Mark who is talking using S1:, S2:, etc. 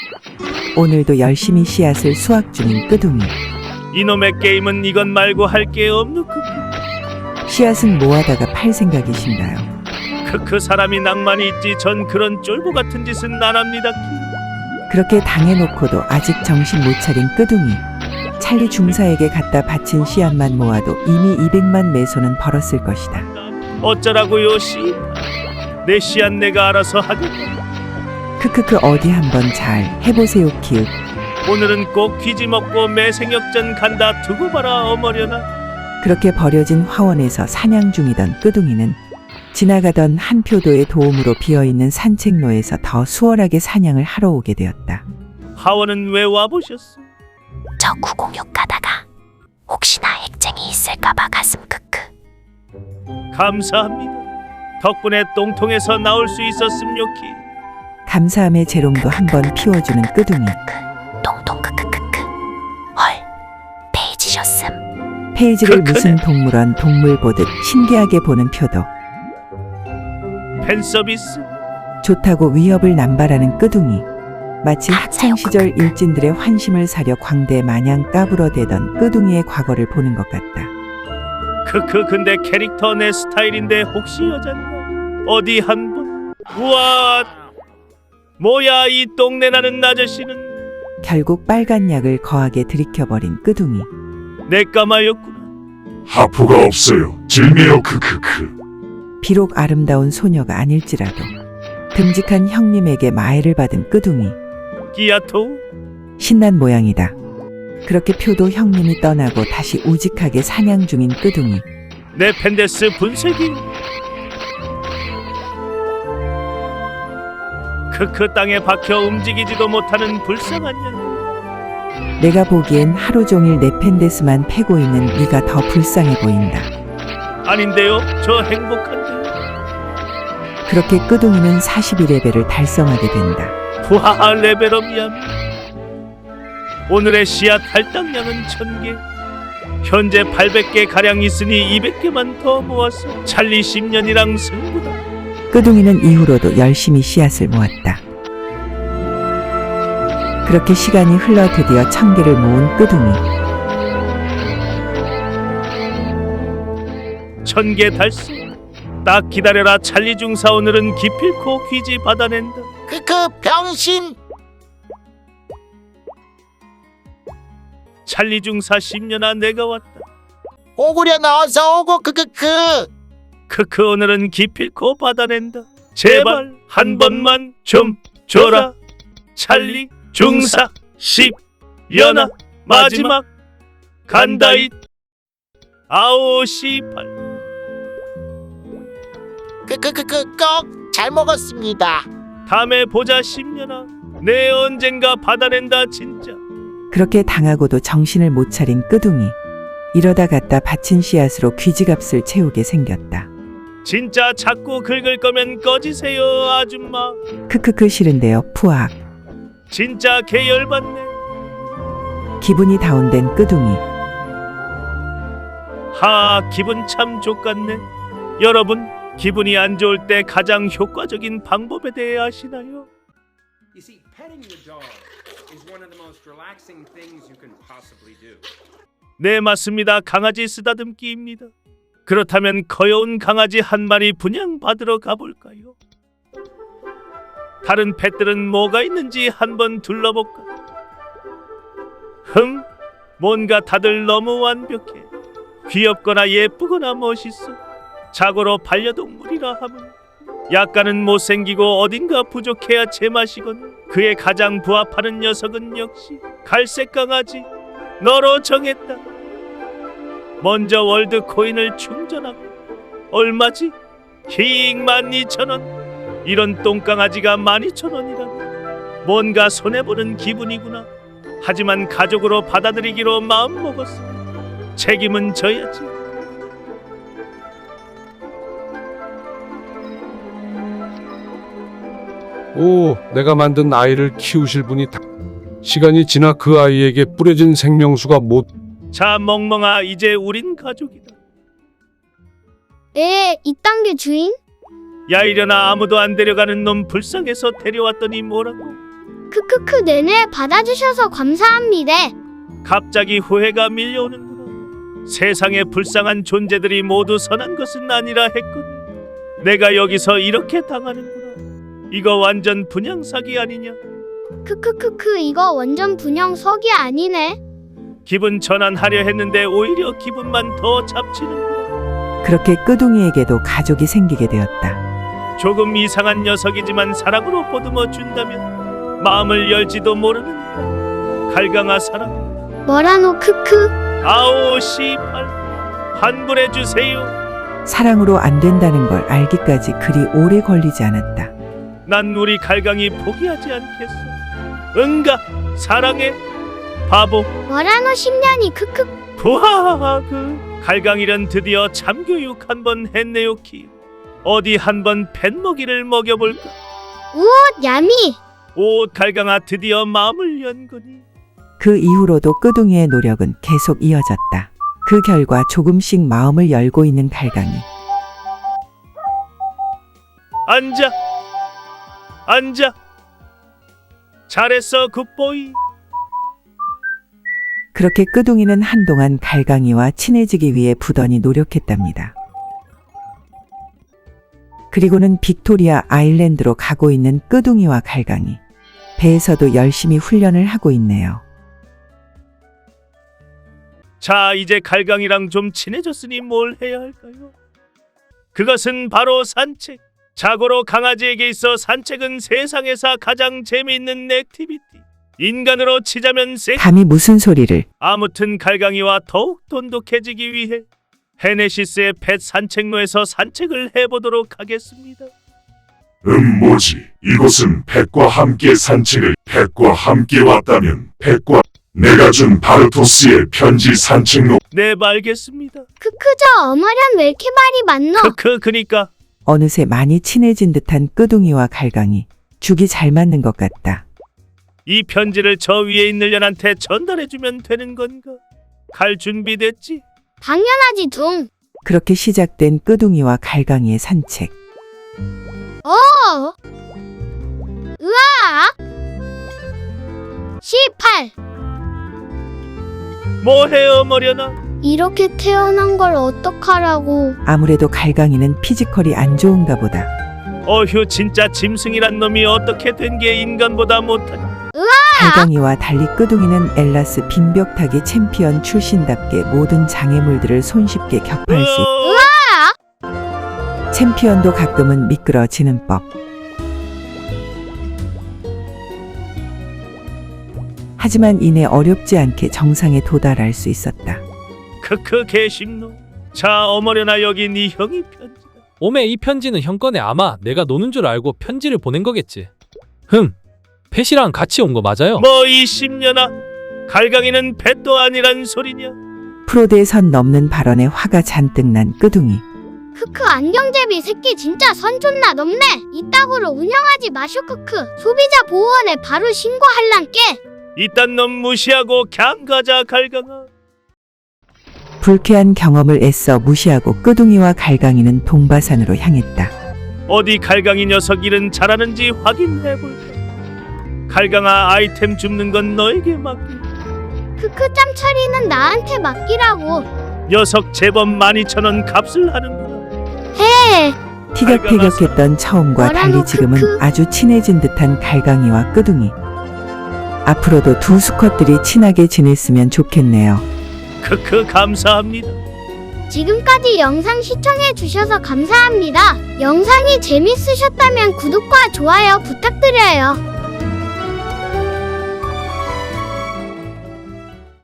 S1: 오늘도 열심히 씨앗을 수확 중인 끄둥이.
S2: 이놈의 게임은 이것 말고 할 게 없누.
S1: 씨앗은 모아다가 팔 생각이신가요?
S2: 크크 사람이 낭만이 있지 전 그런 쫄보 같은 짓은 안 합니다.
S1: 그렇게 당해놓고도 아직 정신 못 차린 끄둥이. 찰리 중사에게 갖다 바친 씨앗만 모아도 이미 200만 매소는 벌었을 것이다.
S2: 어쩌라고요 씨. 내 씨앗 내가 알아서 하겠다.
S1: 크크크 어디 한번 잘 해보세요 키읔.
S2: 오늘은 꼭 귀지 먹고 매생역전 간다. 두고 봐라 어머려나.
S1: 그렇게 버려진 화원에서 사냥 중이던 끄둥이는 지나가던 한 표도의 도움으로 비어있는 산책로에서 더 수월하게 사냥을 하러 오게 되었다.
S2: 하원은 왜 와보셨어?
S3: 저 906 가다가 혹시나 액쟁이 있을까봐 가슴 크크.
S2: 감사합니다. 덕분에 똥통에서 나올 수 있었음 요키.
S1: 감사함의 재롱도 한번 피워주는 끄둥이.
S3: 똥똥 크크크크. 헐, 페이지셨음.
S1: 페이지를
S2: 크크네.
S1: 무슨 동물원 동물 보듯 신기하게 보는 표도.
S2: 팬서비스.
S1: 좋다고 위협을 남발하는 끄둥이. 마치
S3: 맞아요,
S1: 학창시절 일진들의 환심을 사려 광대 마냥 까불어대던 끄둥이의 과거를 보는 것 같다.
S2: 크크 근데 캐릭터 내 스타일인데 혹시 여잔가? 어디 한번. 우와. 뭐야 이 똥내 나는 아저씨는.
S1: 결국 빨간 약을 거하게 들이켜버린 끄둥이.
S2: 내 까마였구나.
S4: 하프가 없어요. 질매요 크크크.
S1: 비록 아름다운 소녀가 아닐지라도 듬직한 형님에게 마애를 받은 끄둥이.
S2: 끼야토.
S1: 신난 모양이다. 그렇게 표도 형님이 떠나고 다시 우직하게 사냥 중인 끄둥이.
S2: 내 펜데스 분쇄기. 크크 땅에 박혀 움직이지도 못하는 불쌍한 년.
S1: 내가 보기엔 하루 종일 네펜데스만 패고 있는 네가 더 불쌍해 보인다.
S2: 아닌데요 저 행복한데.
S1: 그렇게 끄둥이는 42레벨을 달성하게 된다.
S2: 후하하 레벨업이야. 오늘의 씨앗 할당량은 1000개. 현재 800개 가량 있으니 200개만 더 모았어. 찰리 10년이랑 승부다.
S1: 끄둥이는 이후로도 열심히 씨앗을 모았다. 그렇게 시간이 흘러 드디어 1000개를 모은 끄둥이.
S2: 1000개 달성. 딱 기다려라 찰리 중사 오늘은 기필코 귀지 받아낸다.
S5: 크크 병신.
S2: 찰리 중사 10년아 내가 왔다.
S5: 오구려나 어서 오고 크크크.
S2: 크크 오늘은 기필코 받아낸다. 제발 한 번만 좀 줘라. 찰리 중사 10년아 마지막 간다잇. 아오 씨발.
S5: 크크크크 꼭 잘 먹었습니다.
S2: 다음에 보자 10년아. 내 언젠가 받아낸다 진짜.
S1: 그렇게 당하고도 정신을 못 차린 끄둥이. 이러다 갖다 바친 씨앗으로 귀지값을 채우게 생겼다.
S2: 진짜 자꾸 긁을 거면 꺼지세요 아줌마.
S1: 크크크 싫은데요 푸악.
S2: 진짜 개열받네.
S1: 기분이 다운된 끄둥이.
S2: 하 기분 참 좋겠네. 여러분 기분이 안 좋을 때 가장 효과적인 방법에 대해 아시나요?
S6: You see, petting your dog is one of the most relaxing things you can possibly do.
S2: 네 맞습니다. 강아지 쓰다듬기입니다. 그렇다면 거여운 강아지 한 마리 분양받으러 가볼까요? 다른 펫들은 뭐가 있는지 한번 둘러볼까? 뭔가 다들 너무 완벽해. 귀엽거나 예쁘거나 멋있어. 자고로 반려동물이라 하면 약간은 못생기고 어딘가 부족해야 제맛이건. 그에 가장 부합하는 녀석은 역시 갈색 강아지 너로 정했다. 먼저 월드 코인을 충전하고. 얼마지? 힝 12,000원. 이런 똥강아지가 12,000원이라고. 뭔가 손해보는 기분이구나. 하지만 가족으로 받아들이기로 마음먹었어. 책임은 져야지.
S7: 오, 내가 만든 아이를 키우실 분이 시간이 지나 그 아이에게 뿌려진 생명수가 못.
S2: 자 멍멍아 이제 우린 가족이다.
S8: 이딴 게 주인?
S2: 야 이려나 아무도 안 데려가는 놈 불쌍해서 데려왔더니 뭐라고.
S8: 크크크 네네 받아주셔서 감사합니다.
S2: 갑자기 후회가 밀려오는구나. 세상에 불쌍한 존재들이 모두 선한 것은 아니라 했거든. 내가 여기서 이렇게 당하는구나. 이거 완전 분양사기 아니냐.
S8: 크크크크 이거 완전 분영석이 아니네.
S2: 기분 전환하려 했는데 오히려 기분만 더 잡치는구나.
S1: 그렇게 끄둥이에게도 가족이 생기게 되었다.
S2: 조금 이상한 녀석이지만 사랑으로 보듬어 준다면 마음을 열지도 모르는 갈강아 사랑.
S8: 뭐라노 크크.
S2: 아오 씨발 환불해 주세요.
S1: 사랑으로 안 된다는 걸 알기까지 그리 오래 걸리지 않았다.
S2: 난 우리 갈강이 포기하지 않겠어. 응가 사랑해 바보.
S8: 뭐라노 10년이 크크.
S2: 부하하그 갈강이란 드디어 참교육 한번 했네요 키. 어디 한번 뱃먹이를 먹여볼까.
S8: 우옷 야미.
S2: 옷 갈강아 드디어 마음을 연거니.
S1: 그 이후로도 끄둥이의 노력은 계속 이어졌다. 그 결과 조금씩 마음을 열고 있는 갈강이.
S2: 앉아 앉아. 잘했어 굿보이.
S1: 그렇게 끄둥이는 한동안 갈강이와 친해지기 위해 부단히 노력했답니다. 그리고는 빅토리아 아일랜드로 가고 있는 끄둥이와 갈강이. 배에서도 열심히 훈련을 하고 있네요.
S2: 자 이제 갈강이랑 좀 친해졌으니 뭘 해야 할까요? 그것은 바로 산책. 자고로 강아지에게 있어 산책은 세상에서 가장 재미있는 액티비티. 인간으로 치자면
S1: 감히 무슨 소리를.
S2: 아무튼 갈강이와 더욱 돈독해지기 위해 헤네시스의 펫 산책로에서 산책을 해보도록 하겠습니다.
S4: 뭐지? 이곳은 펫과 함께 산책을. 펫과 함께 왔다면 펫과 내가 준 바르토스의 편지 산책로.
S2: 네 알겠습니다.
S8: 크크 저 어머련 왜 이렇게 말이 많노?
S2: 그니까
S1: 어느새 많이 친해진 듯한 끄둥이와 갈강이. 죽이 잘 맞는 것 같다.
S2: 이 편지를 저 위에 있는 년한테 전달해주면 되는 건가? 갈 준비됐지?
S8: 당연하지 둥.
S1: 그렇게 시작된 끄둥이와 갈강이의 산책.
S8: 으아 18.
S2: 뭐해 어머려나?
S8: 이렇게 태어난 걸 어떡하라고.
S1: 아무래도 갈강이는 피지컬이 안 좋은가 보다.
S2: 어휴 진짜 짐승이란 놈이 어떻게 된 게 인간보다 못하냐.
S1: 갈강이와 달리 끄둥이는 엘라스 빙벽타기 챔피언 출신답게 모든 장애물들을 손쉽게 격파할 수 있다. 챔피언도 가끔은 미끄러지는 법. 하지만 이내 어렵지 않게 정상에 도달할 수 있었다.
S2: 크크 개심노. 자 어머려나 여기 네 형이 편지다.
S9: 오메 이 편지는 형 거네. 아마 내가 노는 줄 알고 편지를 보낸 거겠지. 펫이랑 같이 온 거 맞아요?
S2: 뭐 이 10년아 갈강이는 펫도 아니란 소리냐.
S1: 프로드의 선 넘는 발언에 화가 잔뜩 난 끄둥이.
S8: 크크 안경제비 새끼 진짜 선 존나 넘네. 이따구로 운영하지 마쇼 크크. 소비자 보호원에 바로 신고할란께.
S2: 이딴 놈 무시하고 걍 가자 갈강아.
S1: 불쾌한 경험을 애써 무시하고 끄둥이와 갈강이는 동바산으로 향했다.
S2: 어디 갈강이 녀석 일은 잘하는지 확인해볼까. 갈강아 아이템 줍는 건 너에게 맡길.
S8: 크크 짬 처리는 나한테 맡기라고.
S2: 녀석 제법 12,000원 값을 하는구나.
S8: 해.
S1: 티격태격했던 처음과 달리 지금은 아주 친해진 듯한 갈강이와 끄둥이. 앞으로도 두 수컷들이 친하게 지냈으면 좋겠네요.
S2: 크크 감사합니다.
S8: 지금까지 영상 시청해 주셔서 감사합니다. 영상이 재밌으셨다면 구독과 좋아요 부탁드려요.